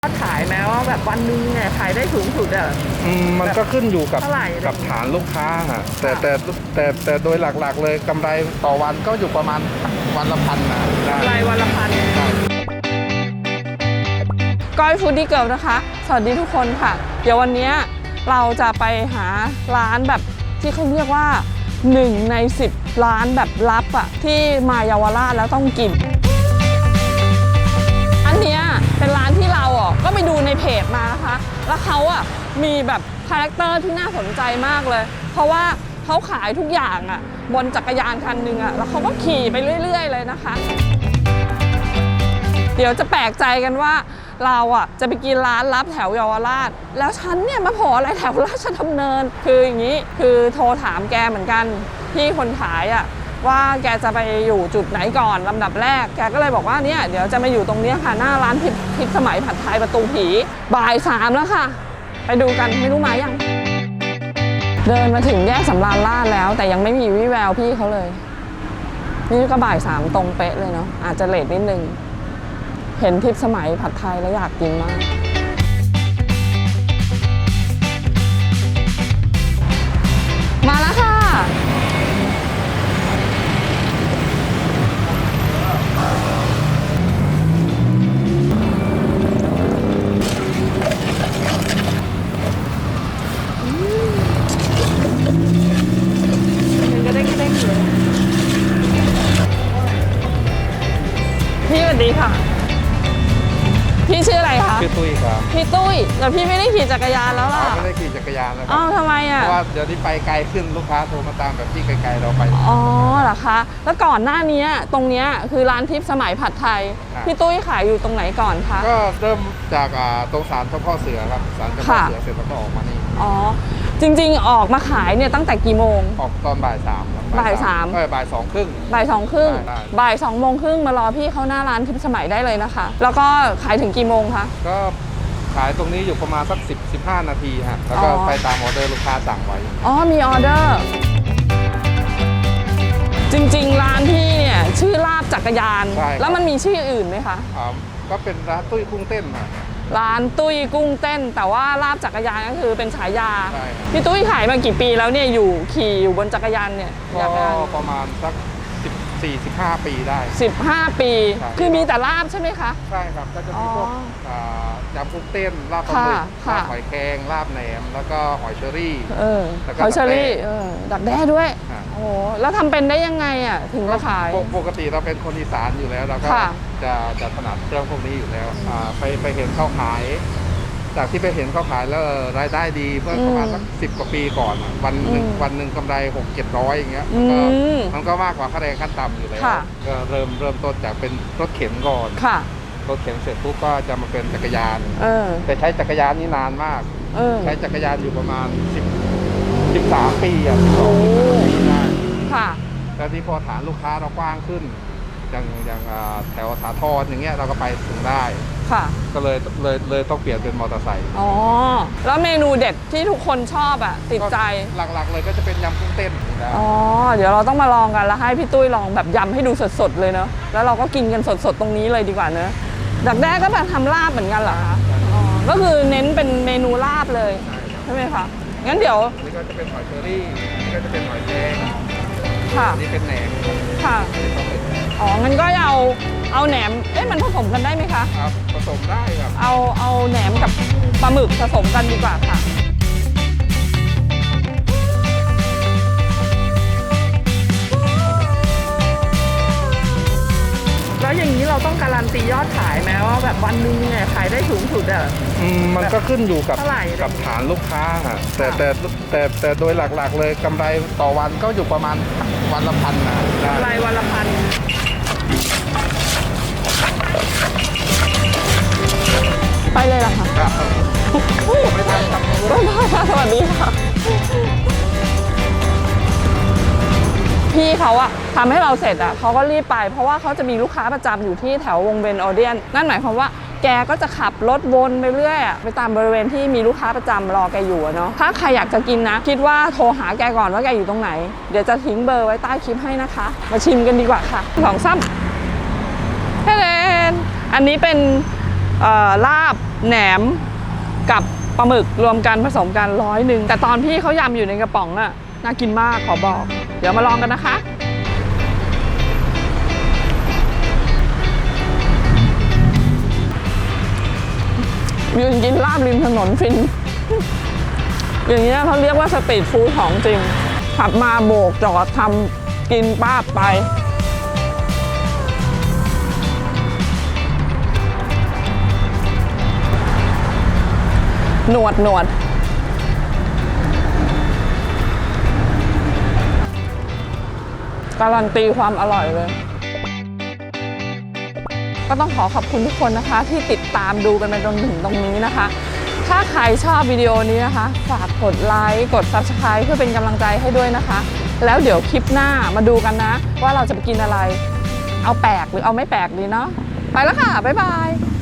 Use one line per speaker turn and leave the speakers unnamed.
ขายแม้ว่าแบบวันนึงเนี่ยขายได้สูงสุดอ่ะ
มันก็ขึ้นอยู่กับ
เท่าไหร่
ฐานลูกค้าฮะแต่โดยหลักๆเลยกำไรต่อวันก็อยู่ประมาณวันละพันนะ
กำไรวันละพัน
ก้อยฟู้ดดี้เกิร์ลนะคะสวัสดีทุกคนค่ะเดี๋ยววันนี้เราจะไปหาร้านแบบที่เขาเรียกว่า1 ใน 10ร้านแบบลับอ่ะที่มาเยาวราชแล้วต้องกินอันเนี้ยเป็นร้านที่เราอ่ะก็ไปดูในเพจมานะคะแล้วเขาอ่ะมีแบบคาแรคเตอร์ที่น่าสนใจมากเลยเพราะว่าเขาขายทุกอย่างอ่ะบนจักรยานคันหนึ่งอ่ะแล้วเขาก็ขี่ไปเรื่อยๆเลยนะคะเดี๋ยวจะแปลกใจกันว่าเราอ่ะจะไปกินร้านลับแถวเยาวราชแล้วฉันเนี่ยมาโผล่อะไรแถวราชดำเนินคืออย่างนี้คือโทรถามแกเหมือนกันพี่คนขายอ่ะว่าแกจะไปอยู่จุดไหนก่อนลำดับแรกแกก็เลยบอกว่าเนี่ยเดี๋ยวจะมาอยู่ตรงนี้ค่ะหน้าร้านพิษสมัยผัดไทยประตูผีบ่าย 3แล้วค่ะไปดูกันไม่รู้มายังเดินมาถึงแยกสำราญราษฎร์แล้วแต่ยังไม่มีวี่แววพี่เขาเลยนี่ก็บ่าย 3ตรงเป๊ะเลยเนาะอาจจะเลทนิดนึงเห็นทิพย์สมัยผัดไทยแล้วอยากกินมากมาแล้วค่ะ
มันก็ได้เลย
พี่สวัสดีค่ะพี่ชื่ออะไรคะ
พี่ตุ้ยครับ
พี่ตุ้ยแต่พี่ไม่ได้ขี่จักรยานแล้วล่ะ
ไม่ได้ขี่จักรยานแล้ว
อ้าวทำไมอ่ะ
เพราะว่าเดี๋ยวนี้ไปไกลขึ้นลูกค้าโทรมาตามแบบที่ไกลๆเราไป
อ๋อเหรอคะแล้วก่อนหน้านี้ตรงเนี้ยคือร้านทิพย์สมัยผัดไทยพี่ตุ้ยขายอยู่ตรงไหนก่อนคะ
ก็เริ่มจากตรงศาลเจ้าพ่อเสือครับศาลเจ้าพ่อเสือเสร็จแล้วก็ออกมานี่
อ๋อจริงๆออกมาขายเนี่ยตั้งแต่กี่โมง
ออกตอนบ่าย 3
บ่าย 3
บ่าย 2 ครึ่ง
บ่าย 2 ครึ่งบ่าย 2 โมงครึ่งมารอพี่เขาหน้าร้านทิพย์สมัยได้เลยนะคะแล้วก็ขายถึงกี่โมงคะ
ก็ขายตรงนี้อยู่ประมาณสัก10-15 นาทีฮะแล้วก็ไปตามออเดอร์ลูกค้าสั่งไว้
อ๋อมีออเดอร์จริงๆร้านพี่เนี่ยชื่อลาบจักรยานแล้วมันมีชื่ออื่นไหมคะ
ก็เป็นร้านตุ้ยกุ้งเต้น
ร้านตุ้ยกุ้งเต้นแต่ว่าลาบจักรยานก็คือเป็นฉายาพี่ตุ้ยขายมากี่ปีแล้วเนี่ยขี่อยู่บนจักรยานเนี่ย
ก็ประมาณสัก14-15 ปีได้
15 ปีคือมีแต่ลาบใช่ไหมคะ
ใช่ครับก็จะมีพวกยำกุ้งเต้นลาบปลาหมึกลาบหอยแครงลาบแหนมแล้วก็หอยเชอรี่
หอยเชอรี่ดักแด้ด้วยโอ้แล้วทำเป็นได้ยังไงอ่ะถึงมาขาย
ปกติเราเป็นคนอีสานอยู่แล้วเราก็จะถนัดเรื่องพวกนี้อยู่แล้วไปเห็นเขาขายจากที่ไปเห็นเขาขายแล้วรายได้ดีเมื่อประมาณสัก10 กว่าปีก่อนวันหนึ่งกำไร600-700อย่างเงี้ยมันก็มากกว่าค่าแรงขั้นต่ำอยู่แล้วก็เริ่มต้นจากเป็นรถเข็นก่อนรถเข็นเสร็จปุ๊บก็จะมาเป็นจักรยานแต่ใช้จักรยานนี่นานมากใช้จักรยานอยู่ประมาณ13 ปี12 ปีได้แล้วที่พอฐานลูกค้าเรากว้างขึ้นอย่างแถวสาทรอย่างเงี้ยเราก็ไปถึงได้ก็เลยต้องเปลี่ยนเป็นมอเตอร์ไซค์
อ๋อแล้วเมนูเด็ดที่ทุกคนชอบอ่ะติดใจ
หลักๆเลยก็จะเป็นยำกุ้งเต้น
อ๋อเดี๋ยวเราต้องมาลองกันแล้วให้พี่ตุ้ยลองแบบยำให้ดูสดๆเลยเนอะแล้วเราก็กินกันสดๆตรงนี้เลยดีกว่าเนอะดักแด้ก็แบบทำลาบเหมือนกันเหรอคะอ๋อก็คือเน้นเป็นเมนูลาบเลยใช่ไหมคะงั้นเดี๋ยว
นี่ก็จะเป็นหอยเชอรี่นี่ก็จะเป็นหอยแครงนี่เป็นแหนม
ค่ะอ๋องั้นก็เอาแหนมมันผสมกันได้ไหมคะ
ครับผสมได้ครับ
เอาแหนมกับปลาหมึกผสมกันดีกว่าค่ะ
แล้วอย่างนี้เราต้องการันตียอดขายไหมว่าแบบวันนึงเนี่ยขายได้สูงสุดอ่ะ
มันก็ขึ้นอยู่กับฐานลูกค้าฮะแต่โดยหลักๆเลยกำไรต่อวันก็อยู่ประมาณวันละพันนะ
กำไรวันละพัน
ไปเลยล่ะค่ะ
ไม่ได้ครับ
สวัสดีค่ะพี่เขาอะทำให้เราเสร็จอะเขาก็รีบไปเพราะว่าเขาจะมีลูกค้าประจำอยู่ที่แถววงเวียนออเดียนนั่นหมายความว่าแกก็จะขับรถวนไปเรื่อยไปตามบริเวณที่มีลูกค้าประจำรอแกอยู่เนาะถ้าใครอยากจะกินนะคิดว่าโทรหาแกก่อนว่าแกอยู่ตรงไหนเดี๋ยวจะทิ้งเบอร์ไว้ใต้คลิปให้นะคะมาชิมกันดีกว่าค่ะ2 3เฮ้เดนอันนี้เป็นลาบแหนมกับปลาหมึกรวมกันผสมกัน100แต่ตอนพี่เขายำอยู่ในกระป๋องน่ะน่ากินมากขอบอกเดี๋ยวมาลองกันนะคะยืนกินลาบริมถนนฟินอย่างนี้เขาเรียกว่าสตรีทฟู้ดของจริงขับมาโบกจอดทำกินป้าบไปหนวดการันตีความอร่อยเลยก็ต้องขอบคุณทุกคนนะคะที่ติดตามดูกันมาจนถึงตรงนี้นะคะถ้าใครชอบวิดีโอนี้นะคะฝากกดไลค์กด Subscribe เพื่อเป็นกำลังใจให้ด้วยนะคะแล้วเดี๋ยวคลิปหน้ามาดูกันนะว่าเราจะไปกินอะไรเอาแปลกหรือเอาไม่แปลกดีเนาะไปแล้วค่ะบ๊ายบาย